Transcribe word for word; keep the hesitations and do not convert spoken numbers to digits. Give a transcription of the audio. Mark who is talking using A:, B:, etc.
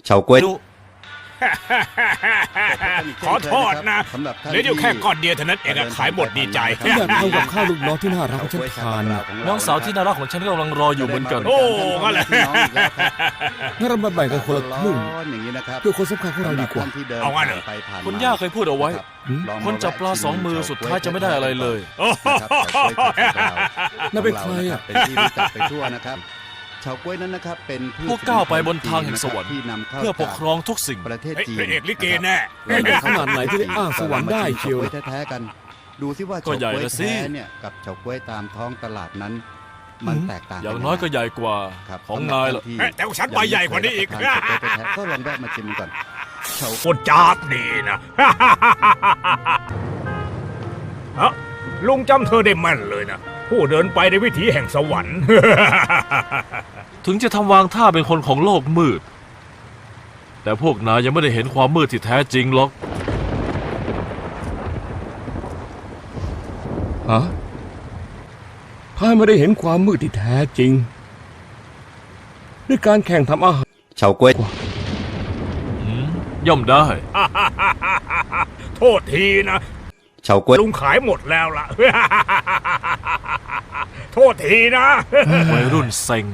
A: เฉาก๊วย
B: ขอโทษนะเหลืออยู่แค่ก้อนเดียวเท่านั้นเองอะขายหมดดีใจ
C: ฉันอยากทำกับข้าวลูกน้องที่น่ารักของฉันทานน่ะ
D: น้องสาวที่น่ารักของฉันก็กำลังรออยู่เหมือนกัน
B: โอ้ก็เลย
C: งั้นเรามาแบ่งกันคนละครึ่ง
A: อย่างนี้นะครับ
C: เพื่อคนสำคัญของเราดีกว่า
B: เอางั้นเหรอ
D: คุณย่าเคยพูดเอาไว้ คนจับปลาสองมือสุดท้ายจะไม่ได้อะไรเลย
B: โอ้โห
C: น่าเป็นใครอะ
A: เป็นที่รู้จักไปทั่วนะครับเฉาก๊วยนั้นนะครับเป็นพืช
D: พวกก้าวไปบนทางแห่งสวรรค์
A: ที่นำเข้า
D: เพื่อปกครองทุกสิ่ง
A: ประเทศ
B: เฮ้ย
A: จีน
B: พระเอกลิเกแน่
C: แล้วเด็กขนาดไหนที่ได้อ้างสวรรค์ได้เชียว
A: เฉาก๊วยแท้ๆกัน ดูซิว่า
D: ก็
A: เฉา
D: ใหญ่
A: ก๊วย
D: ละสิ
A: แท้เนี่ยกับเฉาก๊วยตามท้องตลาดนั้น มันแตกต่าง
D: อย่างน้อยก็ใหญ่กว่า
A: ครับ
D: ของนายละ
A: ที่
B: แต่ของฉันใบใหญ่กว่านี้อีก
A: ยังไม่เคยรับประทานเฉาก๊วยแท้ๆก็ลองแวะมาชิมก่อนเฉา
B: คนจาบดีนะ ฮะลุงจำเธอได้แม่นเลยนะ ผู้เดินไปในวิถีแห่งสวรรค์
D: ถึงจะทำวางท่าเป็นคนของโลกมืด แต่พวกนายยังไม่ได้เห็นความมืดที่แท้จริงหรอก
C: ฮะถ้าไม่ได้เห็นความมืดที่แท้จริง ด้วยการแข่งทำอาหาร
A: เฉาก๊วย
D: ย่อมได้
B: โทษทีนะ
A: เฉาก๊วย
B: ลุงขายหมดแล้วล่ะ โทษทีนะ
D: วัยรุ่นเซ็ง